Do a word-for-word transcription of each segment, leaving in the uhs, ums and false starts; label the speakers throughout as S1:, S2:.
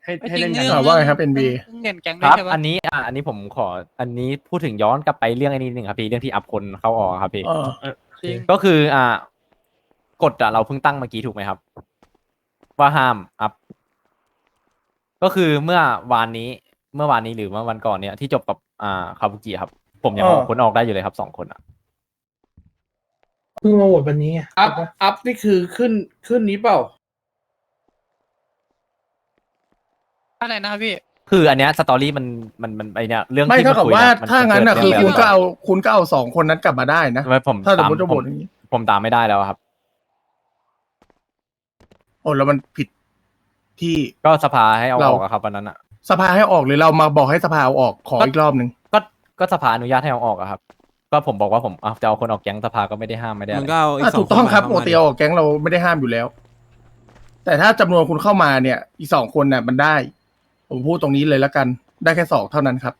S1: ให้ให้
S2: จริ
S1: เล่
S2: ง
S1: นกัน
S2: เรื่อง
S3: อ่าว่าไงครับ เอ็น บี
S2: เงินแก๊ง
S4: ค
S2: ด้วย
S4: รับ
S2: ใช่ปะ
S4: อันนี้อ่ะอันนี้ผมขออันนี้พูดถึงย้อนกลับไปเรื่องไอ้นี้นิดนึงครับพี่เรื่องที่อัพคนเข้าออกครับพี่
S3: เออ
S2: จริง
S4: ก็คืออ่ากฎอ่ะเราเพิ่งตั้งเมื่อกี้ถูกไหมครับ ว่าห้ามอัพก็คือเมื่อวานนี้เมื่อวานนี้หรือเมื่อวันก่อนเนี่ยที่จบกับอ่าคาบุกิครับ ผมยัง
S3: อ๋อ
S4: ออกคนออกได้อยู่เลยครับสองคนอ่ะ
S5: เพิ่งมาโหวตวันนี้ไง
S1: อัพอัพนี่คือขึ้นขึ้นนี้เปล่า
S2: อะไรนะครับพี่
S4: คืออันเนี้ยสตอรี่มันมันมันไอเนี้ยเรื่อง
S3: ไม่
S4: ที่
S3: เท่ากับ
S4: คุย
S3: ว่า
S4: มั
S3: ถ้างั้น
S4: เกิ
S3: อ่ะ
S4: ด
S3: คือ
S4: เรื่
S3: คุณ
S4: ง
S3: ก็
S4: แบบ
S3: เอาคุณก็เอาสองคนนั้นกลับมาได้นะ
S4: ไม่ผม
S3: ถ้าสม
S4: ตาม
S3: มติจะ
S4: ผ
S3: โหว
S4: ม
S3: ตอย่างนี้
S4: ผมตามไม่ได้แล้วครับ
S3: โอ้แล้วมันผิดที่
S4: ก็สภาให้เอา
S3: เรา
S4: ออกอะครับวันนั้นอ่ะ
S3: สภาให้ออกหรือเรามาบอกให้สภาเอาออกขออีกรอบหนึ่ง
S4: ก็ก็สภาอนุญาตให้เอาออกอะครับ ก็ผมบอกว่าผมอ่ะจะเอาคนออกแก๊งสภาก็ไม่ได้ห้ามไม่ได้
S6: มึ
S4: อะ
S6: ง
S4: ไร
S6: ก็เอาอีก
S3: อ่ะ
S6: สอ
S3: ถู
S6: ง
S3: กต้อง
S6: น
S3: ครับ
S6: มา
S3: ปกติเอาออกแก๊งเราไม่ได้ห้ามอยู่แล้ว แต่ถ้าจำนวนคุณเข้ามาเนี่ย อีกสองคนเนี่ยมันได้ ผมพูดตรงนี้เลยแล้วกัน ได้แค่สองเท่านั้นครับ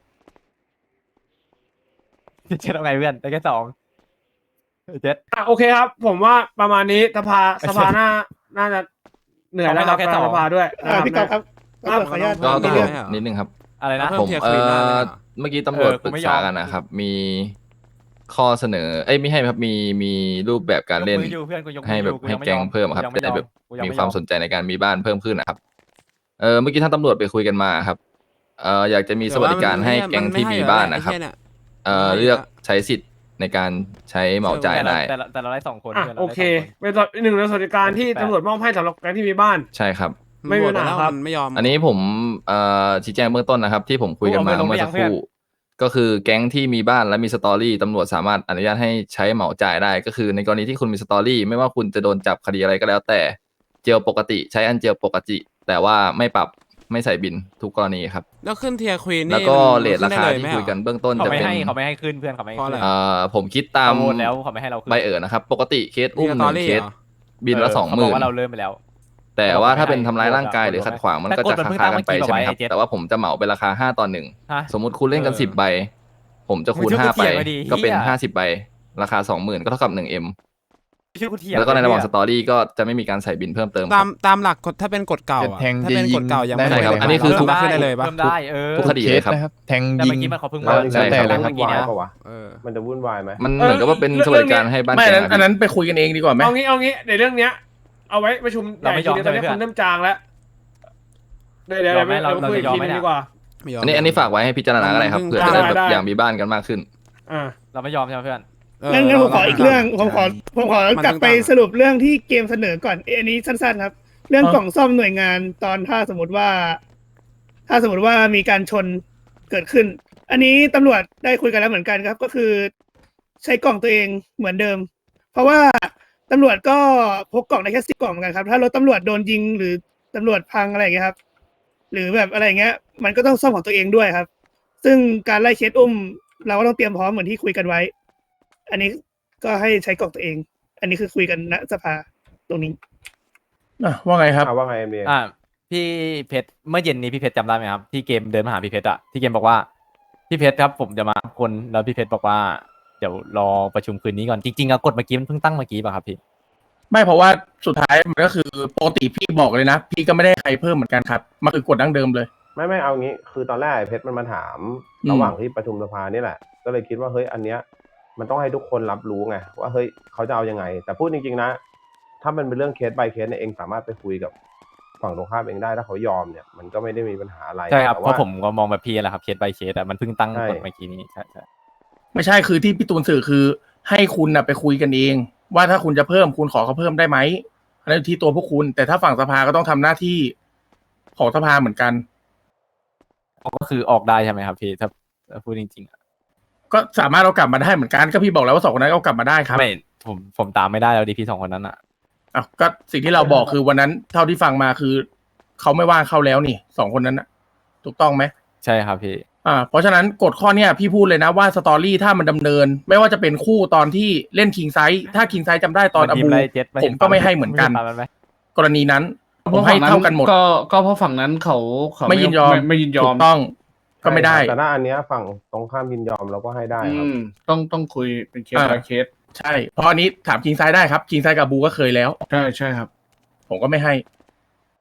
S4: เจ็ดเอาไงเพื่อนได้แค่สองเจ็ด
S1: อ่ะโอเคครับ ผมว่าประมาณนี้สภาสภาน่าน่าจะเหนื่อยแล้วครับ
S4: เอาให้เราแค่สอง
S1: สภาด้วย
S5: อ่าพี่กอล์ฟครับ
S1: ครับ
S5: ขออนุญาต
S6: ก็
S5: มี
S6: ต้อง
S5: เรื่อง
S6: นิดนึงครับ
S4: อะไรนะ
S6: เพิ่
S7: ผม
S6: เทียร์
S7: เอ่
S6: ควีนได้
S7: อ
S6: ไหมอะ
S7: เมื่อกี้ตำรวจ
S4: เออ
S7: ปรึ
S4: กู
S7: ก
S4: ไม่ยอ
S7: ษาม กันนะครับ มีข้อเสนอ เอ้ยไม่ให้ครับมีมีรูปแบบการเล่น
S4: ยมืออยู่เพื่อนกูยกมือ
S7: ให้แบบ
S4: อยู่
S7: ให้
S4: ยังไม่
S7: แก๊ง
S4: ยอม
S7: เพิ่มอะครับ
S4: กูยังไม่
S7: จะได้แบบ
S4: ยอมกูยังไม่
S7: มีความ
S4: ยอม
S7: สนใจในการมีบ้านเพิ่มขึ้นนะครับ เออเมื่อกี้ท่านตำรวจไปคุยกันมาครับ เอ่ออยากจะมีสวัสดิการให้แก๊งที่มีบ้านนะครับ เอ่อเลือกใช้สิทธิ์ในการใช้เหมาจ่ายได้
S4: แต่ละแต่เราได้สองคน
S1: อ่ะ
S4: พื่นรา
S1: โอ
S4: ได้
S1: เค
S4: สงน
S1: เป็นส่วนหนึ่งในสวัสดิการที่ตำรวจมอบให้สำหรับแก๊งที่มีบ้าน
S7: ใช่ครับ
S1: ไม่มีปัญหาครับ
S6: มันไม่ยอม
S7: อันนี้ผมเอ่อชี้แจงเบื้องต้นนะครับ ที่ผมคุยกันมา
S4: เอาไปลง
S7: เมื่อสัก
S4: หรือ
S7: ค
S4: ยัง
S7: รู่ก็คือแก๊งที่มีบ้านและมีสตอรี่ตำรวจสามารถอนุญาตให้ใช้เหมาจ่ายได้ ก็คือในกรณีที่คุณมีสตอรี่ไม่ว่าคุณจะโดนจับคดีอะไรก็แล้ว แต่เจลปกติใช้อันเจลปกติ แต่ว่าไม่ปรับไม่ใส่บินทุกกรณีครับ
S6: แล้วขึ้นเทียร์ควีนนี่
S7: แล้วก็
S6: มัน
S7: เรทราคา
S6: ขึ้นได้ล
S7: ที่
S6: ไหม
S7: คุยกัน
S6: เหรอ
S7: เบื้องต้น
S4: เขา
S7: จะ
S4: ไม่
S7: เป็น
S4: ให้เขาไม่ให้ขึ้นเพื่อนเขาไม่ให้
S6: เพราะ
S4: ขึ้น
S6: อะไร
S7: เอ่อผมคิดตาม
S4: เขาโหวตแล้วเขาไม่ให้เราขึ้น
S7: ใบเอ๋อนะครับ ปกติเคสอุ้มห
S6: มี
S7: นึ่ง
S6: story
S7: เคส
S6: เหรอ
S7: บินละสองห
S4: เขา
S7: มื่
S4: บ
S7: น
S4: กว่าเราเริ่มไปแล้ว
S7: แต่ว่าถ้าเป็นทำร้ายร่างกายหรือขัดขวางมันก็
S4: แต่กฎ
S7: จะ
S4: มันเพิ่ง
S7: คา
S4: ตั้ง
S7: ๆกันไป
S4: เมื่อกี้
S7: ใช่ไหมครับ
S4: บอกไว้
S7: แต่ว่าผมจะเหมาเป็นราคาห้าต่อหนึ่ง
S4: ฮะ
S7: สมมติคุณเล่นกัน
S6: เออ
S7: สิบใบ ผมจะคูณ
S4: มึงช่วย
S7: ห้า
S4: กู
S7: ไป
S4: เถียงหน่อยดิ
S7: ก็เป็น
S4: เหี้ย
S7: ห้าสิบใบ ราคาสองหมื่นก็เท่ากับหนึ่งเอ็ม
S4: ชื่อกูเถียง
S7: แล้วก็ในระหว่าง
S4: เย
S7: สตอรี่ก็จะไม่มีการใส่บินเพิ่มเติมค
S6: ตา
S7: รั
S6: ม
S7: บ
S6: ตามหลักกฎถ้าเป็นกฎเก่าอะ
S8: แทง
S6: ถ้าเป็น
S8: จะยิง
S6: กฎเก่ายังไม่
S8: ได้
S7: ครับ
S6: ได้
S7: อันนี้คือ
S6: เริ่มขึ้นได้เลยปะ
S4: เพิ่มได้เออ
S7: ทุกคดีเลยครับ
S8: นะครับ แทง
S4: แต่
S8: ยิ
S4: เมื่อง กี้มันเขาเพิ่ง
S7: แล้
S4: มาว
S7: ใช่ครับ
S4: แล้วเมื่อกี้เนี่ย
S6: เออ
S9: มันจะวุ่นวายไหม
S7: มันเหมือนกับว่าเป็นสวัสดิการให้บ้าน
S3: ไม่
S7: แก
S3: อันนั้นอันนั้นไปคุยกันเองดีกว่าไหม
S1: เอางี้เอางี้ในเรื่องเนี้ย เอาไว้ประชุม
S4: เราไม่ยอม
S1: ใหญ่ทีเดียวตอนนี้
S4: ใช่ไหม
S1: คนเริ่มจางแล้วเดี๋ยวเดี๋ยว
S4: ยอมไหม
S1: เดี๋ยว
S4: เรา
S1: เราคุยอีก
S4: เราจะยอม
S1: ที
S4: ไหม
S1: นึง
S4: เนี่ย
S1: ดีกว่า
S6: ไม่ยอม
S7: อันนี้อันนี้ฝากไว้ให้พิจารณาก็ได้ครับ
S6: มัน
S7: เผื่อ
S6: ได้
S7: จะได้แบบ
S1: ได้
S7: อย่างมีบ้านกันมากขึ้น
S1: อ่า
S4: เราไม่ยอมใช่ไหมเพื่อน
S6: เออ
S5: งั้นงั้นผมขออีกเรื่องผมขอผมขอ
S6: มัน
S5: กลับไป
S6: ต่างๆ
S5: สรุปเรื่องที่เกมเสนอก่อนเอ้ยอันนี้สั้นๆครับ เรื่องกล่องซ่อมหน่วยงานตอนถ้าสมมติว่า ถ้าสมมติว่ามีการชนเกิดขึ้น อันนี้ตำรวจได้คุยกันแล้วเหมือนกันครับ ก็คือใช้กล่องตัวเองเหมือนเดิม เพราะว่าตำรวจก็พกกล่องได้แค่สิบกล่องเหมือนกันครับ ถ้ารถตำรวจโดนยิงหรือตำรวจพังอะไรอย่างเงี้ยครับ หรือแบบอะไรอย่างเงี้ย มันก็ต้องซ่อมของตัวเองด้วยครับ ซึ่งการไล่เคสอุ้ม เราก็ต้องเตรียมพร้อมเหมือนที่คุยกันไว้ อันนี้ก็ให้ใช้กล่องตัวเอง อันนี้คือคุยกันณสภาตรงนี้
S3: อ่ะว่าไงครับ
S9: อ่าว่าไงเอ็มดี
S4: อ่าพี่เพชรเมื่อเย็นนี้พี่เพชรจำได้ไหมครับที่เกมเดินมาหาพี่เพชรอะที่เกมบอกว่าพี่เพชรครับผมจะมาคนแล้วพี่เพชรบอกว่าเดี๋ยวรอประชุมคืนนี้ก่อนจริงๆอะกฎเมื่อกี้มันเพิ่งตั้งเมื่อกี้ป่ะครับพี่
S3: ไม่เพราะว่าสุดท้ายมันก็คือปกติพี่บอกเลยนะ พี่ก็ไม่ได้ใครเพิ่มเหมือนกันครับมันคือกฎดั้งเดิมเลย
S9: ไม่ไม่เอางี้ คือตอนแรกไอ้เพชรมันมาถาม
S3: อืม
S9: ระหว่างที่ประชุมสภานี่แหละ ก็เลยคิดว่าเฮ้ยอันเนี้ยมันต้องให้ทุกคนรับรู้ไงว่าเฮ้ยเขาจะเอายังไง แต่พูดจริงๆนะ ถ้ามันเป็นเรื่องเคส by เคสเนี่ยเองสามารถไปคุยกับฝั่งตรงข้ามเองได้ถ้าเขายอมเนี่ยมันก็ไม่ได้มีปัญหาอะไร
S4: ใช่ครับ
S9: แต่
S4: เพ
S9: ว่า
S4: ราะผมก็มองแบบพี่แหละครับเคส by เคสอะมันเพิ่งตั้ง
S9: ใช่
S4: กฎเมื่อกี้นี้ใช่ใช่
S3: ไม่ใช่คือที่พี่ตูนสื่อคือ ให้คุณน่ะไปคุยกันเอง ว่าถ้าคุณจะเพิ่มคุณขอเขาเพิ่มได้ไหมอันนั้นอยู่ที่ตัวพวกคุณ แต่ถ้าฝั่งสภาก็ต้องทำหน้าที่ของสภาเหมือนกัน
S4: ก็คือออกได้ใช่ไหมครับพี่ถ้าถ้าพูดจริงๆอะ
S3: ก็สามารถเอากลับมาได้เหมือนกันก็พี่บอกแล้วว่าสองคนนั้นเอากลับมาได้ครับ
S4: ไม่ผมผมตามไม่ได้แล้วดีพี่สองคนนั้นอะ
S3: อ้าวก็สิ่งที่เราบอกคือวันนั้นเท่าที่ฟังมาคือเขาไม่ว่างเข้าแล้วนี่สองคนนั้นน่ะถูกต้องไหม
S4: ใช่ครับพี่
S3: อ่าเพราะฉะนั้นกฎข้อเนี้ยพี่พูดเลยนะว่าสตอรี่ถ้ามันดำเนิน ไม่ว่าจะเป็นคู่ตอนที่เล่นคิงไซส์ถ้าคิงไซส์จำได้ตอน
S4: มัน
S3: อ
S4: ยิ้
S3: บู
S4: มไล่เจ็ดไม่
S3: ผ
S4: เห็
S3: ม
S4: น
S3: ก็ไม่ให้เหมือนกัน
S4: ตามมันไหม
S3: กรณีนั้นผมให้เท่ากันหมด
S1: ก็ก็เพราะฝั่งนั้นเขาเขา
S3: ไม่ยินยอม
S1: ไม่ยินยอ
S3: ถู
S1: ม
S3: กต้องก็ไม่ได้
S9: แต่ถ้าอันเนี้ยฝั่งตรงข้ามยินยอมเราก็ให้ได้
S1: อื
S9: ครับ
S1: มต้องต้องคุยเป็นเคส
S3: อ่า
S1: by เคส
S3: ใช่เพราะอันนี้ถามคิงไซส์ได้ครับคิงไซส์กับบูก็เคยแล้ว
S1: ใช่ใช่ครับ
S3: ผมก็ไม่ให้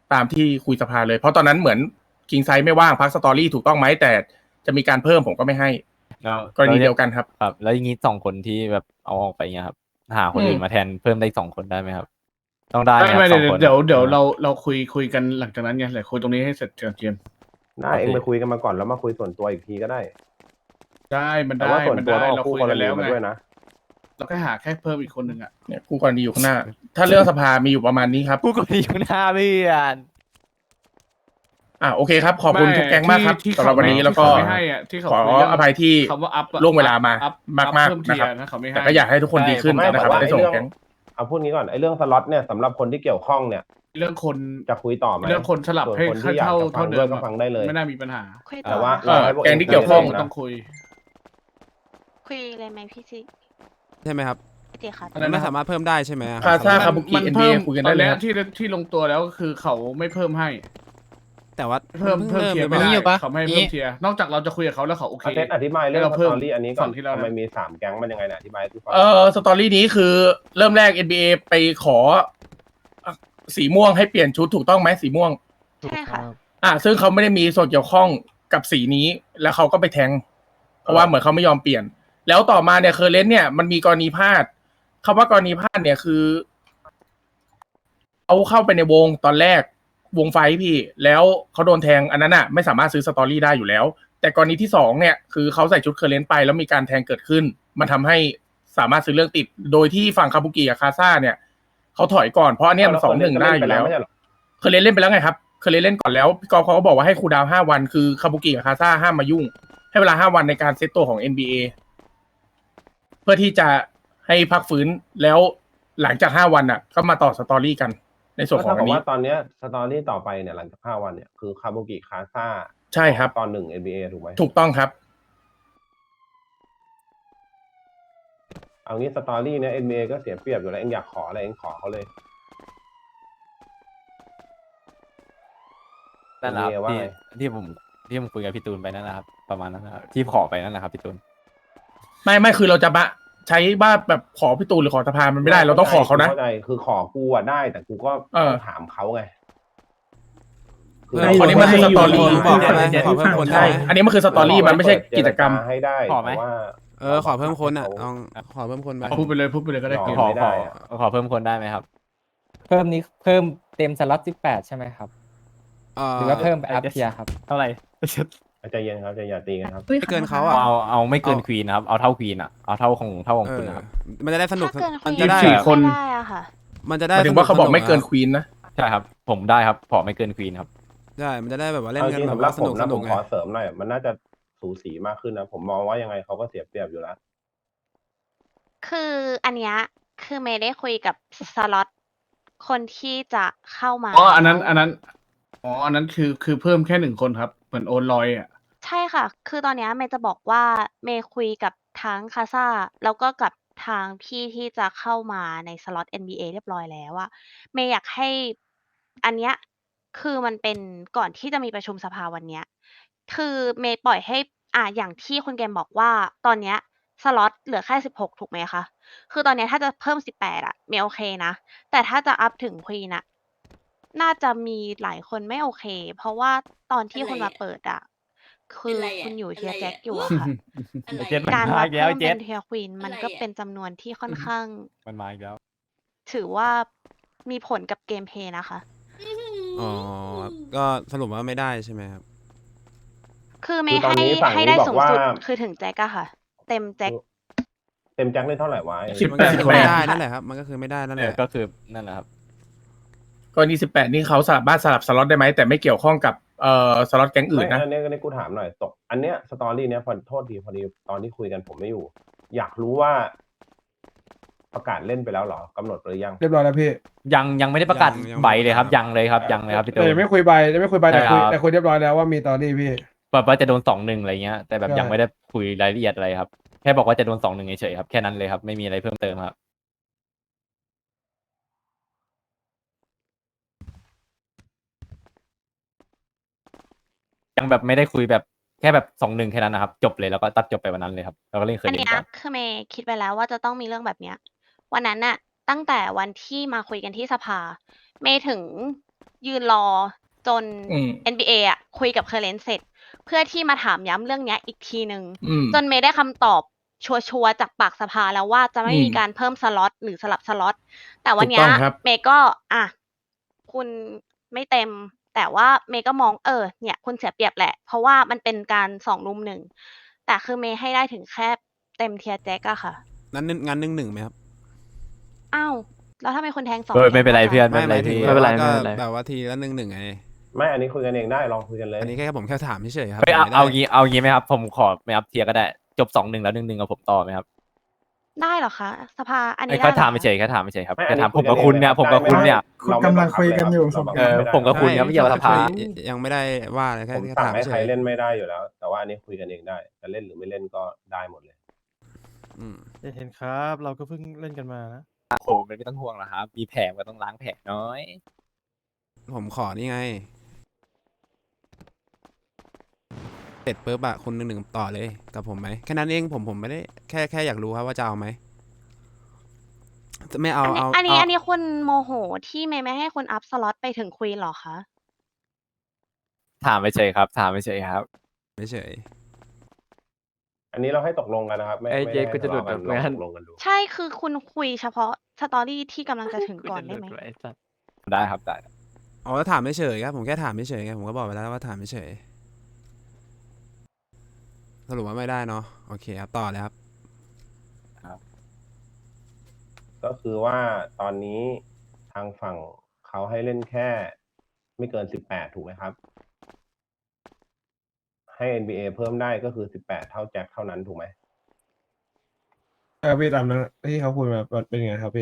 S3: ตามที่คุยสภาเลย เพราะตอนนั้นเหมือนคิงไซไม่ว่างพักสตอรี่ถูกต้องไหมแต่จะมีการเพิ่มผมก็ไม่ให้
S4: แล้ว
S3: กรณีเดียวกันครับ
S4: ครับ แล้วอย่างนี้สองคนที่แบบเอาออกไปเงี้ยครับ หาคน
S1: อืม
S4: อื่นมาแทนเพิ่มได้สองคนได้ไหมครับ ต้องได้ไหม
S1: ไม่
S4: ครับ
S1: ไม่
S4: สอ
S1: เดี๋ยว
S4: งคน
S1: เดี๋ยวเดี๋ยวเราเราคุยคุยกันหลังจากนั้นไงเดี๋ยวคุยตรงนี้ให้เสร็จก่อนเจมส์
S9: ได้เองไปคุยกันมาก่อนแล้วมาคุยส่วนตัวอีกทีก็ได้
S1: ได้มัน
S9: แต่
S1: ได้
S9: ว่าส่วน
S1: มัน
S9: ตัว
S1: ได้
S9: ต้อง
S1: เรา
S9: เอาคู่
S1: คุย
S9: กร
S1: กัน
S9: ณี
S1: แล้ว
S9: มา
S1: ไง
S9: ด้วยนะ
S1: เราแค่หาแค่เพิ่มอีกคนหนึ่งอ่ะ
S3: เนี่ยคู่กรณีอยู่ข้างหน้า ถ้าเรื่องสภามีอยู่ประมาณนี้ครับ
S4: ผู้กรณีอยู่หน้าเพื่อน
S3: อ่าโอเคครับ ขอบคุณ
S1: ไม่
S3: ทุกแก๊งมากครับ
S1: ที่
S3: สำหรับวันนี้
S1: ที่
S3: แล้วก็
S1: เขาไม่ให้อะที่เขา
S3: ขอ
S1: คุยเรื่อง
S3: อภัยที่
S1: คำว่าอัพ
S3: ล่วงเวลามา
S1: อัพ
S3: มากมาก
S1: เพิ่ม
S3: ๆ
S1: เที
S3: นะ
S1: ย
S3: ครับ
S1: ร์นะเขาไม่ให้
S3: แต่ก็อยากให้ทุกคนดีขึ้น
S9: ไม่
S3: นะครับ
S9: แต่ว่า
S3: ได้ส่ง
S9: ไอ้เรื่อง
S3: แก๊ง
S9: เอาพูดงี้ก่อนไอ้เรื่องสล็อตเนี่ยสำหรับคนที่เกี่ยวข้องเนี่ย
S1: เรื่องคน
S9: จะคุยต่อไหม
S1: เรื่องคนสลับ
S9: ส่วน
S1: ให้
S9: คนที่อยาก
S1: เท่า
S9: จะฟั
S1: เท่าง เดิ
S9: ด้วย
S1: ม
S9: ก็
S1: อะ
S9: ฟังได้เลย
S1: ไม่น่ามีปัญหา
S8: คุยต่
S9: แต่
S8: อ
S9: ว่า
S3: เออ
S9: ให้พว
S3: แก๊งที่เกี่ยวข้อง
S1: ต้องคุย
S8: คุยเลยไหมพี่ซิ
S6: ใช่ไหมครับ
S8: พี่ติครับ
S1: อะไร
S6: มัน
S1: นะ
S6: ไม่สามารถเพิ่มได้ใช่ไหมอะ
S3: คาซ่า
S1: มัน
S3: คาบุกิ
S1: มัน
S3: เอ็น
S1: เพิ่
S3: บี
S1: ม
S3: คุยกัน
S1: ต
S3: ได้
S1: อน
S3: เลย
S1: เนี้ย
S3: ครับ
S1: ที่ที่ลงตัวแล้วก็คือเขาไม่เพิ่มให้
S6: แต่ว่า
S1: เพิ่มเพิ่มเทียร์ไม่ได้
S2: มีอยู่ปะ
S1: เขาไม่ให้เพิ่มเทียร์นอกจากเราจะคุยกับเขาแล้วเขาโอเค
S9: อาเทสอธิบายเรื่อง
S1: ให้เรา
S9: ส
S1: เพิ่ม
S9: ตอรี่อันนี้ก่
S1: ฝั่
S9: อน
S1: งที่เรา
S9: ทำไมมีสามแก๊งมันยังไงเนี่ยอธิบายให้พี่ฟัง
S3: เออสตอรี่นี้คือเริ่มแรก เอ็น บี เอ ไปขออ่ะสีม่วงให้เปลี่ยนชุดถูกต้องไหมสีม่วง
S8: ใช่ค่ะ
S3: อ่ะซึ่งเขาไม่ได้มีส่วนเกี่ยวข้องกับสีนี้ แล้วเขาก็ไปแทง เพราะว่าเหมือนเขาไม่ยอมเปลี่ยน แล้วต่อมาเนี่ยเคอร์เรนต์เนี่ยมันมีกรณีพลาดคำว่ากรณีพลาดเนี่ยคือเอาเข้าไปในวงตอนแรกวงไฟท์พี่ แล้วเขาโดนแทงอันนั้นอ่ะไม่สามารถซื้อสตอรี่ได้อยู่แล้ว แต่กรณีที่สองเนี่ยคือเขาใส่ชุดเคอร์เรนต์ไปแล้วมีการแทงเกิดขึ้น มันทำให้สามารถซื้อเรื่องติด โดยที่ฝั่งคาบุกิกับคาซ่าเนี่ยเขาถอยก่อนเพราะอันเนี้ยมันสองหนึ่งได้อยู่แล้ว
S9: ไม่ใช่เหรอ
S3: เคยเล่นเล่นไปแล้วไงครับ เคยเล่นเล่นก่อนแล้วพี่กอล์ฟเขาก็บอกว่าให้ครูลดาวน์ห้าวัน คือคาบุกิกับคาซ่าห้ามมายุ่ง ให้เวลาห้าวันในการเซตตัวของ เอ็น บี เอ เพื่อที่จะให้พักฟื้นแล้วหลังจากห้าวันอ่ะ ก็มาต่อสตอรี่กันในส่วน
S9: ก็
S3: ของ
S9: เท่า
S3: อั
S9: กับ
S3: นนี้
S9: ว่าตอนเนี้ยสตอรี่ต่อไปเนี่ยหลังจากห้าวันเนี่ยคือคาบุกิคาซ่า
S3: ใช่ครับ
S9: ตอนหนึ่ง เอ็น บี เอ ถูกไหม
S3: ถูกต้องครับ
S9: เอางี้สตอรี่เนี่ย เอ็น บี เอ ก็เสียเปรียบอยู่แล้วเองอยากขออะไรเองขอเขาเลย
S4: นั่นแหละครับ
S9: เอ็น บี เอ ว่า
S4: ที่
S9: ไง
S4: ที่ผมที่ผมคุยกับพี่ตูนไปนั่นแหละครับ ประมาณนั้นนะครับที่ขอไปนั่นแหละครับพี่ตูน
S3: ไม่ไม่คือเราจะมาใช้ว่าแบบขอพี่ตูนหรือขอสภามันไม่ได้ เราต้องขอเขานะ
S9: เข้าใจคือขอกูอ่ะได้ แต่กูก็
S3: เออ
S9: ต้องถามเขาไง
S6: เพิ่ม
S3: อันนี้มันคือสตอรี่
S6: บอกได้ไหมขอเพิ่มคนได้
S3: ใช่
S6: ไหม
S3: อันนี้มันคือสตอรี่มันไม่ใช่กิจกรรม
S9: ให้ได้
S4: ขอไหม
S9: แต่ว่า
S6: เออขอเพิ่มคนอ่ะลองขอเพิ่มคนไป
S1: พูดไปเลยพูดไปเลยก็ได้
S9: ยอม
S1: เกม
S4: ขอ
S9: ไม่
S4: ข
S9: ได้
S4: อ
S9: อะ
S4: ขอเพิ่มคนได้ไหมครับ
S10: เพิ่มนี้เพิ่มเต็มสล็อตสิบแปดใช่ไหมครับ
S6: เอ่อ
S10: หรือว่าเพิ่มไปอัพเทียร์ครับ
S4: เท่าไหร่
S9: ใจเย็นครับใจอย่าตีกันครับ
S6: ไม่เกินเขาอ่ะ
S4: เอาเอาไม่เกิน
S6: เอา
S4: ควีนนะครับ เอาเท่าควีนอ่ะ เอาเท่าของเท่าของ
S6: เอ
S4: คุณ
S6: อ
S4: นะครับ
S6: มันจะได้สนุก
S8: ถ้าเกินคุ
S6: มั
S8: ย
S6: นจะได้
S1: สี่คน
S8: ไม่ได้อะค่ะ
S6: มันจะ
S3: ห
S6: ได้
S3: มายถึงว่าเขาบอกไม่เกิน
S6: ส
S3: ควีนนะ
S4: ใช่ครับ ผมได้ครับ ขอไม่เกินควีนครับ
S6: ใช่มันจะได้แบบว่าเล่น
S9: เอาจ
S6: กัน
S9: ริง
S6: แบบ
S9: สำหรั
S6: ว่า
S9: บ
S6: ส
S9: ผ
S6: นุ
S9: ม
S6: กส
S9: นะ
S6: นุ
S9: ผ
S6: ก
S9: ม
S6: ไง
S9: ขอเสริมหน่อยมันน่าจะสูสีมากขึ้นนะ ผมมองว่ายังไงเขาก็เสียเปรียบอยู่แล้ว
S8: คืออันเนี้ยคือเมย์ได้คุยกับสล็อตคนที่จะเข้ามา
S1: อ๋ออันนั้น
S8: แล้ว
S1: อันนั้นอ๋ออันนั้นคือคือเพิ่มแค่หนึ่งคนครับเหมือนโอนลอยอ่ะ
S8: ใช่ค่ะ คือตอนเนี้ยเมย์จะบอกว่าเมย์คุยกับทั้งคาซ่าแล้วก็กับทางพี่ที่จะเข้ามาในสล็อต เอ็น บี เอ เรียบร้อยแล้วอะเมย์อยากให้อันเนี้ยคือมันเป็นก่อนที่จะมีประชุมสภาวันเนี้ย คือเมย์ปล่อยให้อ่าอย่างที่คุณเกมบอกว่าตอนเนี้ยสล็อตเหลือแค่สิบหกถูกไหมคะ คือตอนเนี้ยถ้าจะเพิ่มสิบแปดอะเมย์โอเคนะ แต่ถ้าจะอัพถึงควีนอะน่าจะมีหลายคนไม่โอเค เพราะว่าตอนที่คุณมาเปิดอะคือคุณอยู่เทียร์แจ็คอยู่อะค่ะ
S4: เจ็ดมัน
S8: การ
S4: มา
S8: มา
S4: อีกแล้ว
S8: เพิ่ม
S4: เจ็
S8: เป็
S4: ด
S8: นเทียร์ควีนมันก็เป็นจำนวนที่ค่อนข้าง
S4: มันมาอีกแล้ว
S8: ถือว่ามีผลกับเกมเพลย์นะคะ
S6: อ๋อก็สรุปว่าไม่ได้ใช่ไหมครับ
S8: คือเม
S9: คือ
S8: ย์
S9: ตอน
S8: ให้
S9: นี้ฝั่ง
S8: ให้
S9: นี้
S8: ได้
S9: บอก
S8: สูง
S9: ว่า
S8: สุดคือถึงแจ็คอะค่ะ เต็มแจ็ค
S9: เต็มแจ็คได้เท่าไหร่วะ
S3: สิบ
S6: มัน
S3: แป
S6: ก็
S3: ด
S6: คือไม่ได้นั่นแหละครับ มันก็คือไม่ได้นั่น
S4: เอ
S6: แห
S4: อ
S6: ละ
S4: ก็คือนั่นแหละครับ
S3: กรณีสิบแปดนี่เขาสามารถสลับสล็อตได้ไหมแต่ไม่เกี่ยวข้องกับเอ่อสล็อตแก๊งอื่น
S9: ไม่
S3: นะ
S9: อันนี้อันนี้กูถามหน่อยตก อันเนี้ยสตอรี่เนี้ยพอโทษทีพอดีตอนที่คุยกันผมไม่อยู่ อยากรู้ว่า ประกาศเล่นไปแล้วเหรอกำหนดหรือยัง
S1: เรียบร้อยแล้วพี่
S4: ยังยังไม่ได้ประกาศ
S6: ยังยัง
S4: ใบเลยครับ ยังเลยครับ ยังเลยครับพี่ตู
S1: แต่
S4: น
S1: ยังไม่คุยใบยังไม่คุยใบแต่คุย
S4: ใช่ครับ
S1: แต่คุยเรียบร้อยแล้วว่ามีตอนนี้พี่
S4: แบบว่าจะโดนสองหนึ่งอะไรเงี้ย แต่แบบ
S1: ใช่
S4: ยังไม่ได้คุยรายละเอียดอะไรครับ แค่บอกว่าจะโดนสองหนึ่งเฉยๆครับ แค่นั้นเลยครับ ไม่มีอะไรเพิ่มเติมครับ ยังแบบไม่ได้คุยแบบแค่แบบสองหนึ่งแค่นั้นนะครับ จบเลยแล้วก็ตัดจบไปวันนั้นเลยครับ แล้วก็เล่นเคย
S8: อัน
S4: เล่
S8: เนี้
S4: น
S8: ย
S4: กัน
S8: คือเมย์คิดไปแล้วว่าจะต้องมีเรื่องแบบเนี้ย วันนั้นน่ะ ตั้งแต่วันที่มาคุยกันที่สภา เมย์ถึงยืนรอจน
S3: อืม
S8: เอ็น บี เอ อ่ะคุยกับเคอร์เรนเสร็จ เพื่อที่มาถามย้ำเรื่องเนี้ยอีกทีหนึ่ง
S3: อืม
S8: จนเมย์ได้คำตอบชัวร์ๆจากปากสภาแล้วว่าจะไม่
S3: อืม
S8: มีการเพิ่มสล็อตหรือสลับสล็อตแต่วันเนี้
S3: ถู
S8: ย
S3: กต้องครับ
S8: เมย์ก็อ่ะคุณไม่เต็ม แต่ว่าเมย์ก็มองเออเนี่ยคุณเสียเปรียบแหละ เพราะว่ามันเป็นการสองรุมหนึ่งแต่คือเมย์ให้ได้ถึงแค่เต็มเทียร์แจ็คอะค่ะ
S6: นั้นงั้นหนึ่งหนึ่งไหมครับ
S8: อ้าวแล้วถ้าเป็นคนแทงสอง
S4: เออไม่เป็นไร
S8: แทง
S4: เพื่อน
S6: ไม่หมายถึง
S10: ไม่เป็นไร
S6: ว่าก็
S10: ไม่เป็นไร
S6: แบบว่าทีละหนึ่งหนึ่งไง
S9: ไม่อันนี้คุยกันเองได้ลองคุยกันเลย
S6: อันนี้แค่ผมแค่ถามเฉยๆครับ
S4: เฮ้ยเอา
S6: ผมไม่ได้
S4: เอางี้เอางี้ไหมครับ ผมขอไม่อัพเทียร์ก็ได้ จบสองหนึ่งแล้วหนึ่งหนึ่งกับผมต่อไหมครับ
S8: ได้เหรอคะสภาอัน
S4: ไอ้
S8: นี้
S4: แค่
S8: ได้หรอ
S4: ถาม
S8: คะ
S4: เฉยๆแค่ถามเฉยๆครับ
S9: ไม่
S4: แค่ถาม
S9: อั
S4: ผมกับคุณเนี่ย ผมกับคุณเนี่ย
S9: เราไม่บังคับเลยครับเราบังคับ
S4: เออ
S9: ไม่ได้
S4: ผมกับคุณครับไม่เกี่ยวกับสภา
S6: ยังไม่ได้ว่าอะไรแค่
S9: ผม
S6: แค่
S9: สั่ง
S6: ถาม
S9: ให้
S6: เฉ
S9: ใคร
S6: ย
S9: เล่นไม่ได้อยู่แล้ว แต่ว่าอันนี้คุยกันเองได้จะเล่นหรือไม่เล่นก็ได้หมดเลย
S6: ๆอืม
S11: เห็นครับ เราก็เพิ่งเล่นกันมานะ
S4: โอ้ไม่ต้องห่วงหรอกครับ มีแผลก็ต้องล้างแผลน้อย
S6: ผมขอนี่ไงเสร็จปุ๊บอะคุณหนึ่งหนึ่งต่อเลยกับผมไหมแค่นั้นเองผมผมไม่ได้แค่แค่อยากรู้ครับว่าจะเอาไหมจะไม่เอา
S8: อันนี้
S6: เอา
S8: อันนี้
S6: เอา
S8: อันนี้คุณโมโหที่เมย์ไม่ให้คุณอัพสล็อตไปถึงควีนเหรอคะ
S4: ถามเฉยๆครับ ถามเฉยๆครับ
S6: เฉย
S9: อันนี้เราให้ตกลงกันนะครับ ไม่
S10: ไอ้
S9: ไม่
S10: เจ๊
S9: ได้
S10: กูจะหลุด
S9: ทะเลากัน
S10: แบบนั้น
S9: ลองตกลงกันดู
S8: ใช่คือคุณคุยเฉพาะสตอรี่ที่กำลังจะถึงก่อนได้ไหม
S10: ไอ้สัตว์
S4: ได้ครับได้
S6: ๆอ๋อแล้วถามเฉยๆครับผมแค่ถามเฉยๆไงผมก็บอกไปแล้วว่าถามเฉยๆสรุปว่าไม่ได้เนาะโอเคครับต่อเลยครับ
S9: ก็คือว่าตอนนี้ทางฝั่งเขาให้เล่นแค่ไม่เกินสิบแปดถูกไหมครับ ให้ เอ็น บี เอ เพิ่มได้ก็คือสิบแปดเท่าแจ็คเท่านั้นถูกไหม
S1: เออพี่ตามนั้นที่เขาพูดมาเป็นไงครับพี่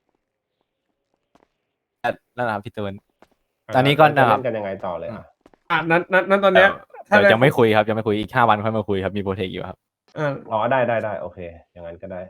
S4: นั่นแหละครับพี่ตูน ตอนนี้ก็
S9: จะ
S4: นะครับ
S9: เล่นกันยังไงต่อเลยอ่ะ
S1: อ่ะนั้นนั้นนั้นตอนเนี้ยถ้า
S4: เดี๋ยว
S1: ได้
S4: ยังไม่คุยครับยังไม่คุยอีกห้าวันค่อยมาคุยครับมีโปรเทคอยู่ครับ
S1: อ่า
S9: อ๋อได้ได้ได้โอเค อย่างนั้นก็ได้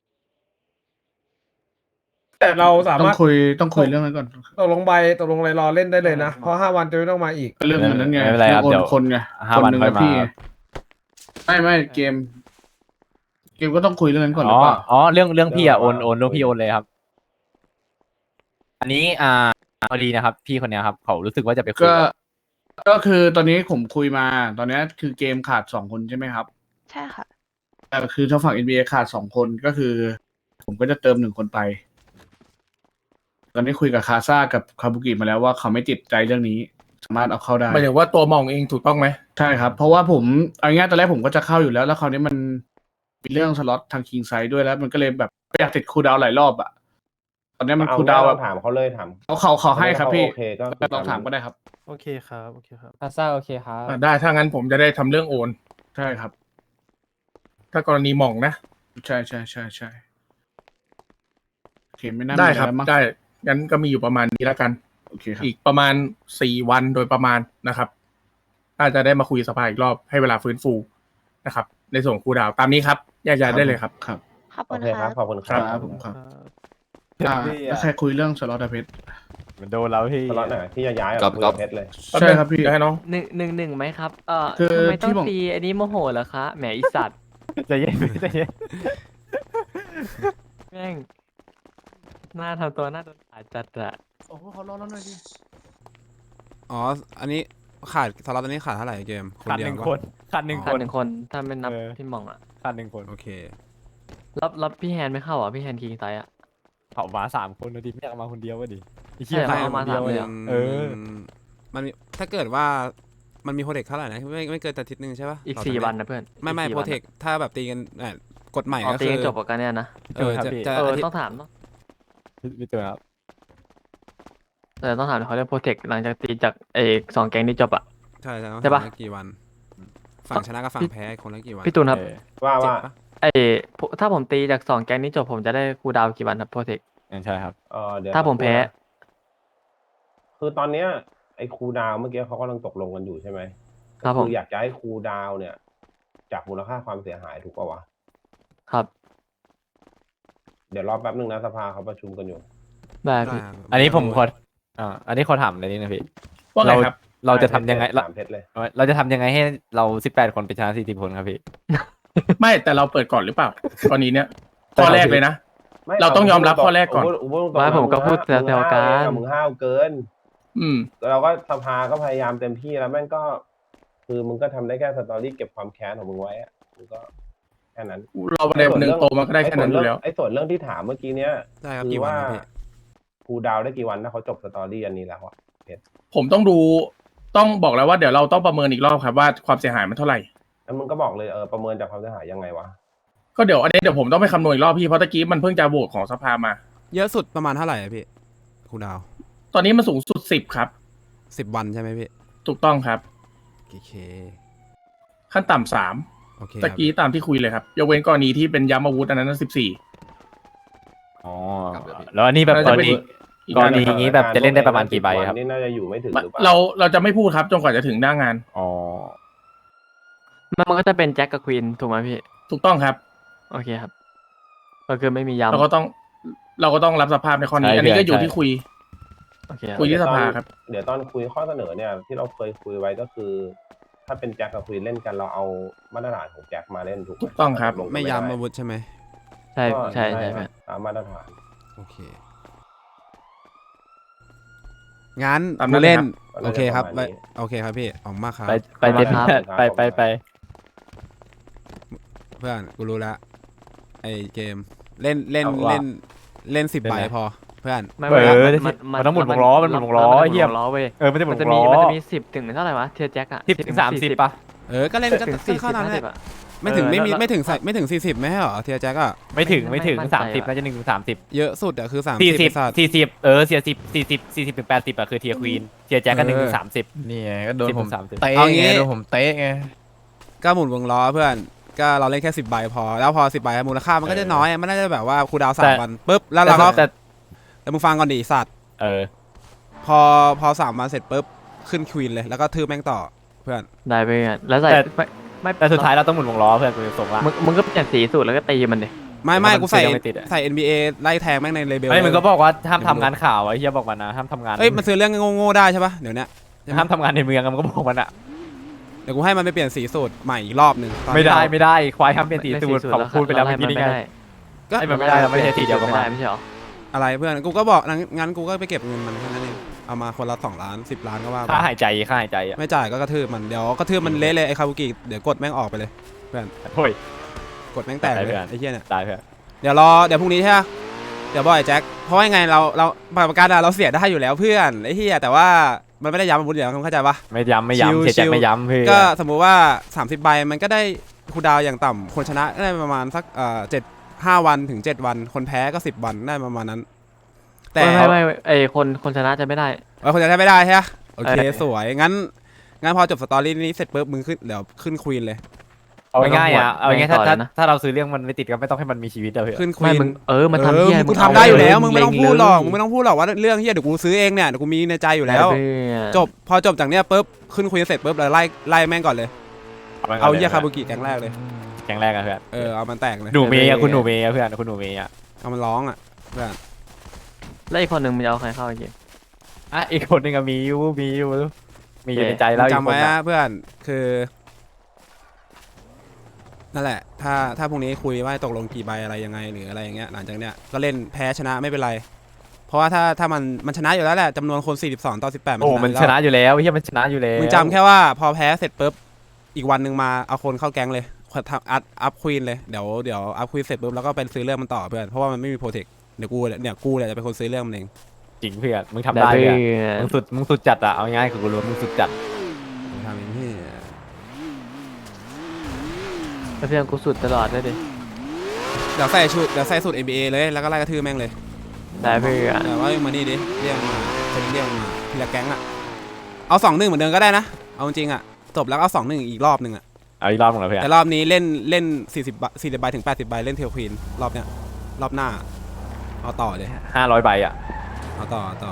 S1: แต่เราสา
S12: ต้อ
S1: มารถ
S12: งคุยต้องคุยเรื่องนั้นก่อน
S1: ตกลงใบตกลงอะไรรอเล่นได้เลยนะ เพราะห้าวันจะไม่ต้องมาอีก
S12: เรื่องเหมือนนั้นไง
S4: ไม่เป็นไรครับ
S12: โอน
S4: เดี๋ยว
S12: คนไง
S4: ห้า
S12: คน
S4: วัน
S12: หนึ่ง
S4: ค่อย
S12: กับ
S4: มา
S12: พี่ไงไม่ไม่เกม เกมก็ต้องคุยเรื่องนั้นก่อนหรื
S4: อ๋
S12: อ
S4: อ
S12: เปล่า
S4: อ๋อเรื่องเรื่องพี่อะโอน
S9: เรื่อง
S4: โอนเรื่องพี่
S9: คุย
S4: โอนเลยครับ อันนี้อ่าพอดีนะครับ พี่คนเนี้ยครับ เขารู้สึกว่าจะไปคุย
S12: ก็
S4: กับ
S12: ก็คือตอนนี้ผมคุยมา ตอนนี้คือเกมขาดสองคนใช่ไหมครับ
S8: ใช่ค่ะ
S12: แต่คือทางฝั่ง เอ็น บี เอ ขาดสองคนก็คือ ผมก็จะเติมหนึ่งคนไป ตอนนี้คุยกับคาซ่ากับคาบุกิมาแล้วว่าเขาไม่ติดใจเรื่องนี้ สามารถเอาเข้าได้
S3: หมายถึงว่าตัวมองเองถูกต้องไหม
S12: ใช่ครับ เพราะว่าผมเอาง่ายๆตอนแรกผมก็จะเข้าอยู่แล้ว แล้วคราวนี้มันมีเรื่องสล็อตทางคิงไซด์ด้วยแล้ว มันก็เลยแบบไม่อยากติดคูลดาวน์หลายรอบอะตอนนี้มัน
S9: เอา
S12: คูลดาวน์
S9: งั้
S12: แบ
S9: น
S12: บ
S9: เราถามเขาเลยถาม
S12: เขาเขาเขาให้ครับพี่
S9: โอเคก็คือ
S12: ลองถามก็ได้ครับ
S11: โอเคครับ โอเคครับ
S10: คาซ่าโอเคครับ
S3: อ่ะได้ถ้างั้นผมจะได้ทำเรื่องโอน
S12: ใช่ครับ
S3: ถ้ากรณีหมองนะ
S12: ใช่ใช่ใช่ใช่โอเคไม่น่า
S3: ได้
S12: มีอะ
S3: ครับ
S12: ไรแล้วมั้ง
S3: ได้งั้นก็มีอยู่ประมาณนี้แล้วกัน
S12: โอเคครับ
S3: อีกประมาณสี่วันโดยประมาณนะครับน่าจะได้มาคุยสภาอีกรอบให้เวลาฟื้นฟูนะครับ ในส่วนของครูดาวตามนี้ครับแยกย้ายได้เลยครับ
S12: ครับ
S8: ขอบ
S9: โอ
S8: คุณ
S9: เคครั
S8: ค่ะ
S9: บขอบคุณค
S12: ค
S9: รั
S12: รั
S9: บบ
S12: ผมครับอ่าแล้วใครคุยเรื่องสล็อตอะเพชร
S4: มันโดนแล้วพี่
S9: สล็อตไหนที่จะย้ายอ
S7: ก๊
S9: อ
S7: อก ฟ
S9: คุย
S7: ก๊อ
S9: กั
S7: ฟ
S9: บเพชรเลย
S12: ใช่ครับพี่
S3: เดี๋ยวให้น้อง
S10: หนึ่งหนึ่งหนึ่งไหมครับ เอ่อ
S12: คือ
S10: ทำไมต้อง
S12: ที่ผม
S10: ตีอันนี้โมโหเหรอคะ แหมอีสัตว์
S4: ใจเย็นใจเย็น
S10: แม่งหน้าทำตัวหน้าโดนขาดจัดอะ
S12: โอ้โหขอรอแล้วหน่อยดิ
S6: อ๋ออันนี้ขาดสล็อตอันนี้ขาดเท่าไหร่เกมคน
S4: ขาด
S6: เดีย
S4: ห
S6: ว
S4: นึ่ง
S6: ปะ
S4: คนขาดหนึ่งค
S10: ขาด
S4: น
S10: หนึ่งคนถ้าไม่นับ
S4: เออ
S10: พี่หมองอะ
S4: ขาดหนึ่งคน
S6: โอเค
S10: รับรับพี่แฮนไม่เข้าอ่ะพี่แฮนคิงไซอะ
S4: เขามาสามคนนะดิไม่อยากมาคนเดียววะดิไอ้
S10: ใช่
S4: เหี้ย
S10: เหรอ
S4: ใคร
S10: เอามา
S4: คนเดียว
S10: สามเลย
S4: เนี่
S10: เหร
S4: ย
S10: อ
S4: เออ
S6: มันมีถ้าเกิดว่ามันมีโปรเทคเท่าไหร่นะไม่ไม่เกินอาทิตย์หนึ่งใช่ปะ
S10: อีก
S6: ต่
S10: สี่
S6: เดื
S10: วันนะเพื่อน
S6: ไม่ไม่
S10: อีกสี่
S6: โปร
S10: วัน
S6: เทคถ้าแบบตีกันเอ่อกฎใหม่
S10: อ๋อ
S6: ก็
S10: ตี
S6: คือ
S10: กันจบกับกันเนี่ยนะ
S6: เออ
S4: ครับ
S6: จะ
S4: พี่
S6: จะ
S10: เออ
S6: อาทิต
S10: ต้อง
S6: ย์
S10: ถามเนาะ
S4: พี่ตัวครับ
S10: แต่ต้องถามเขาเรื่องโปรเทคหลังจากตีจากเอสองแก๊งนี้จบอะ
S6: ใช่ใช่ต้อง
S10: ใช่ปะ
S6: ถามว่ากี่วัน ฝั่งชนะกับฝั่งแพ้คนละกี่วัน
S10: พี่ตูนครับ
S4: เออ
S9: ว่า
S6: เจ็ด
S9: ว่า
S6: ปะ
S10: ไอถ้าผมตีจากสองแก๊งนี้จบผมจะได้คูลดาวน์กี่วันครับโปรเทค
S4: ใช่ครับ
S9: เออเดี๋ยว
S10: ถ้าผมแพ้
S9: คือตอนเนี้ยไอ้ครูดาวเมื่อกี้เขากำลังตกลงกันอยู่ใช่ไหม
S10: ครับผม
S9: คืออยากจะให้ครูดาวเนี่ย จากมูลค่าความเสียหายถูกป่าวะ
S10: ครับ
S9: เดี๋ยวรอแป๊บนึงนะสภาเขาประชุมกันอยู่
S10: ได้
S6: ได้
S10: พี่
S6: ครับ
S4: อันนี้ผมขออ่าอันนี้ขอถามอะไรนิดนะพี่
S3: ว่าไง
S4: เรา
S3: ครับ
S4: เราจะทำยังไงเรา
S9: สามเพชรเลย
S4: เราจะทำยังไงให้เราสิบแปดคนไปชนะสี่สิบคนครับพี่
S3: ไม่แต่เราเปิดก่อนหรือเปล่าตอนนี้เนี่ยข้อแรกเลยนะ
S9: ไม่
S3: เราต้องยอมรับข้อแรกก่อน
S9: พูดพูดตรงๆ
S10: ไม่ผมก็พูด
S9: มึง
S10: แซวๆกัน
S9: มึงห้าวเกิน
S3: อืม
S9: เราก็สภาก็พยายามเต็มที่แล้วแม่งก็ คือมึงก็ทำได้แค่สตอรี่เก็บความแค้นของมึงไว้อะมึงก็แค่นั้น
S3: เราในวันหนึ่งโตมาก็ได้แค่นั้นอยู่แล้ว
S9: ไอ้ส่วนเรื่องที่ถามเมื่อกี้เนี้ย
S6: ได้ครับ
S9: คื
S6: กี่
S9: อ
S6: วัน
S9: ว่า
S6: ครับพี่
S9: ครูดาวได้กี่วันถ้าเขาจบสตอรี่อันนี้แล้วอะ
S3: ผมต้องดูต้องบอกแล้วว่าเดี๋ยวเราต้องประเมินอีกรอบครับว่าความเสียหายมันเท่าไหร่
S9: แล้วมึงก็บอกเลยเออประเมินจากความเสียหายยังไงวะ
S3: ก็เดี๋ยวอันนี้เดี๋ยวผมต้องไปคำนวณอีกรอบพี่เพราะตะกี้มันเพิ่งจะโหวตของสภามา
S6: เยอะสุดประมาณเท่าไหร่อะพี่ครูดาว
S3: ตอนนี้มันสูงสุดสิบครับ
S6: สิบวันใช่ไหมพี่
S3: ถูกต้องครับ
S6: โอเค
S3: ขั้นต่ำสาม
S6: โอเค
S3: ตะกี้ตามที่คุยเลยครับยกเว้นกรณีที่เป็นย้ำอาวุธอันนั้นสิบสี่
S4: อ๋อแล้วอันนี้แบบกรณี
S3: อีก
S4: กรณีอย่างนี้แบบจะเล่นได้ประมาณกี่ใบครับ
S9: นี่น่าจะอยู่ไม่ถึงหรือเปล่า
S3: เราเราจะไม่พูดครับจนกว่าจะถึงหน้างาน
S4: อ๋อ
S10: มันมันก็จะเป็นแจ็คกับควีนถูกไหมพี่
S3: ถูกต้องครับ
S10: โอเคครับ ก็คือไม่มีย้ำ
S3: เราก็ต้องเราก็ต้องรับสภาพในข้อนี้
S4: ใช่
S3: อันนี้ก็อยู่
S4: ใช่
S3: ที่คุย
S10: โอเคครับ
S3: คุยที่สภาครับ
S9: เดี๋ยวตอนคุยข้อเสนอเนี่ยที่เราเคยคุยไว้ก็คือ ถ้าเป็นแจ็คกับควีนเล่นกันเราเอามาตรฐานของแจ็คมาเล่นถูกไหม
S3: ถูกต้องครับ
S9: ลกัน
S6: ไม่
S9: ด้
S6: ย้ำอาวุธใช่ไหม
S10: ใช่
S9: ก็
S10: ใช่ใช่
S9: ค
S10: พี่
S9: รับตามมาตรฐาน
S6: โอเค งั้น
S3: ตามนั้
S6: ผู้
S3: น
S6: เล่น
S9: ครับ
S6: โอเคครับ
S9: ประมาณนี้
S6: โอเคครับพี่ออกมาครับ
S4: ไปไปเด็ดไปไปไป
S6: เพื่อนกูรู้แล้วไอเกมเล่นเล่น
S4: เอาว่า
S6: เล่นเล่นสิบ
S4: เล่น
S6: ใบ
S4: อะไร
S6: พอเพื่อน
S10: ไม่
S4: เออ
S10: ไม่
S4: มันมันต้องหมุนวงล้อมันหมุนวงล้อ
S10: มัน
S4: เหี้ย
S10: หมุนวงล้อเว้ย
S4: เออไม่ได้หมุ
S10: มัน
S4: น
S10: จะ
S4: วง
S10: มี
S4: ล้อ
S10: มันจะมีสิบถึงเท่าไหร่วะเทียร์แจ็คอะ
S4: สิบถึงสามสิบป่ะ
S6: เออก็เล่นก็
S10: ถึง
S6: ก็
S10: สี่สิ
S6: เข้า
S10: บ
S6: นั้น
S10: ห้า
S6: แห
S10: สิบ
S6: ละ
S10: อะ
S6: ไม่ถึง
S10: เออ
S6: ไม่มี
S10: แล้ว
S6: ไม่ถึงใส่ไม่ถึงสี่สิบไม่ใช่เหรอเทียแจ็คอะ
S4: ไม่ถึงไม่ถึง
S10: ไม่มั่นใจ
S4: สามสิบ
S10: อะ
S4: น่าจะหนึ่งถึงสามสิบ
S6: เยอะสุดอะคือสาม
S4: สี่สิบ
S6: สัตว์
S4: สี่สิบเออเสียสิบสี่สิบสี่สิบถึงแปดสิบอะคือเทียร์ควีนเทียร์แจ็คก็หนึ่งถึงสามสิบ
S13: นี่ไงก็โดน
S4: สิบ
S13: ผม
S4: ถึงสามสิบ
S13: เตะ
S6: เอา
S13: ไง
S6: งี้
S13: โดนผมเตะไง
S6: ก็หมุนวงล้อเพื่อนก็เราเล่นแค่สิบใบพอแล้วพอสิบใบมูลค่ามันก็จะน้อยอะมันน่าจะแบบว่าครูดาวสามวันปุ๊บแล้วเราก็
S4: แต่
S6: แล้วมึงฟังก่อนดิสัตว์
S4: เออ
S6: พอพอสามวันเสร็จปุ๊บขึ้นควีนเลยแล้วก็ทืบแม่งต่อเพื่อน
S10: ได้ไปอ่ะแล้วใส่
S4: แต่
S10: ไม่ไม่
S4: แต่สุดท้ายเราต้องหมุนวงล้อเพื่อนกูจะส่งละ
S10: มึงมึงก็เปลี่ยนสีสูตรแล้วก็ตีมันดิ
S6: ไม่ไม่
S4: แต่มัน
S6: กูใส่
S4: ซื้อยังไม่ติดอะ
S6: ใส่ เอ็น บี เอ ไล่แทงแม่งในเลเบล
S4: ไอ้ยมึงก็บอกว่าห้ามทำงานข่าวไอ้เฮียบอกมันนะห้ามทำงาน
S6: เอ้ยมันซื้อเรื่องโง่ๆได้ใช่ปะเดี๋ยวเนี้ย
S4: ห้ามทำงานในเมืองอะมันก็บอกมันอะ
S6: เดี๋ยวกูให้มันไปเปลี่ยนสีสูตรใหม่อีกรอบหนึ่งตอน
S4: ไม่
S6: ที่
S4: ได้
S6: เรา
S4: ไม่ได้ควายห้ามเปลี่ยนสีสูตรเขาพูดไปแล้ว
S10: เรา
S4: เมื่อกี้นี่ไง
S10: ม่ด้
S6: ก็
S4: ไอ้มันไม่ได้เราไม่ใช่สีเดียวกัน
S10: ไม่
S4: มา
S10: ได้ไม่ใช่หรอ
S6: อะไรเพื่อนกูก็บอกงั้นงั้นกูก็ไปเก็บเงินมันแค่นั้นเองเอามาคนละสองล้านสิบล้านก็ว่าไป
S4: ค่าหายใจค่าหายใจอะ
S6: ไม่จ่ายก็กระทืบมันเดี๋ยวกระทืบมันเละเลยไอ้คาบุกิเดี๋ยวกดแม่งออกไปเลยเพื่อน
S4: โอ้ย
S6: กดแม่งแตกเลย
S4: ได้เพื่อน
S6: ไอ้เหี้ยเนี่ย
S4: ได้เพื่อน
S6: เดี๋ยวรอเดี๋ยวพรุ่งนี้ใช่ปะเดี๋ยวบอกไอ้แจ็คเพราะว่ายังไงเราเราบัตรประกันอะเราเสียได้อยู่แล้วเพื่อนไอ้เหี้ยแต่ว่ามันไม่ได้ย้ำอาวุธอยู่แล้วเข้าใจปะ
S4: ไม่ย้ำไม่ย้ำ
S6: ชิว
S4: เสียใจ
S6: ชิว
S4: ไม่ย้ำเพื่อน
S6: ก็สมมุติว่าสามสิบใบมันก็ได้คูลดาวน์อย่างต่ำคนชนะก็ได้ประมาณสักเอ่อเจ็ดห้าวันถึงเจ็ดวันคนแพ้ก็สิบวันได้ประมาณนั้น แต่
S10: ไม่ไม่ไม่ไอคนคนชนะจะไม่ได้
S6: เออคนจะได้ไม่ได้ใช่ไหมโอเค
S10: เออ
S6: สวยงั้นงั้นพอจบสตอรี่นี้เสร็จปุ๊บมึงขึ้นเดี๋ยวขึ้นควีนเลย
S4: เอาง่ายๆอะเอาง่ายๆถ้า
S10: ต่อเลย
S4: ถ้า
S10: นะ
S4: ถ้าเราซื้อเรื่องมันไม่ติดก็ไม่ต้องให้มันมีชีวิตอะเพื่อน
S6: ขึ้นค
S10: ไม่
S6: วีน
S10: มึงเออมา
S6: เอ
S10: ทำ
S6: อ
S10: เหี้ย
S6: มึงกู
S10: ง
S6: ทำได้อยู่แล้ว
S10: เา
S6: มึงไม่ต้อง
S10: เล็
S6: พูดหรอก
S10: เลย
S6: มึงไม่ต้องพูดหรอกว่าเรื่องที่เดี๋ยวกูซื้อเองเนี่ยเดี๋ยวกูมีในใจอยู่แล้ว
S10: ได้เพื่อน
S6: จบพอจบจากเนี้ยปุ๊บขึ้นควีนเสร็จปุ๊บเราไล่ไล่แม่งก่อนเลยเอาเหี้ยคาบุกิแก๊งแรกเลย
S4: แกงแรกอะเพื่อน
S6: เออเอามันแตกเลย
S4: หนูเมย์อะคุณหนูเมย์อะเพื่อนคุณหนูเมย์อะ
S6: เอามันร้องอ่ะเพื่อน
S10: แล้วอีกคนหนึ่งมันจะเอาใครเข้าอีกที
S4: อ่ะอีกคนหนึงอะมีอยู่มีอยู่มีอยู่ในใจแล้วอีก
S6: จำ
S4: คน
S6: ไว้
S4: อะ
S6: นะเพื่อนคือนั่นแหละ ถ้าถ้าพรุ่งนี้คุยว่าตกลงกี่ใบอะไรยังไงหรืออะไรอย่างเงี้ยหลังจากเนี้ยก็เล่นแพ้ชนะไม่เป็นไร เพราะว่าถ้าถ้ามันมันชนะอยู่แล้วแหละจำนวนคนสี่สิบสองต่อสิบแปด
S4: โอ้มันชนะอยู่แล้วเฮียมันชนะอยู่แล้ว
S6: มึงจำแค่ว่าพอแพ้เสร็จปุ๊บอีกวันหนึ่งมาเอาคนเข้าแก๊งเลยทำอัพอัพควีนเลยเดี๋ยวเดี๋ยวอัพควีนเสร็จปุ๊บแล้วก็เป็นซื้อเรื่องมันต่อเพื่อนเพราะว่ามันไม่มีโปรเทคเดี๋ยวกูเนี่ยกูเนี่ยจะเป็นคนซื้อเรื่องมันเอง
S4: จริงเพื่อนมึงทำได้
S10: เพื่
S4: เพื่อน
S10: อน
S4: มึงสุดมึงสุดจัดอะเอาง่ายๆคือกูรู้ว่ามึงสุดจัด
S6: ทำอย่างนี้
S10: แล้วเพื่อนกูสุดตลอดเลยดิ
S6: เดี๋ยวใส่ชุดเดี๋ยวใส่สูตร เอ็น บี เอ เลยแล้วก็ไล่กระทืบแม่งเลย
S10: ได้เพื่อน
S6: แต่ว่ามานี่ดิเรียกมาจะเรียกมาทีละแก๊งอะเอาสองหนึ่งเหมือนเดิมก็ได้นะเอาจริงๆอะจบแล้วก็เอาสองหนึ่งอีกรอบหนึ่งอะ
S4: เอาอีกรอบหนึงเหรอเพื่อน
S6: แต่รอบนี้เล่นเล่นสี่สิบสี่สิบใบถึงแปดสิบใบเล่นเทลควีนรอบเนี้ยรอบหน้าเอาต่อเลย
S4: ห้าร้อยใบอะ
S6: เอาต่อเอาต่อ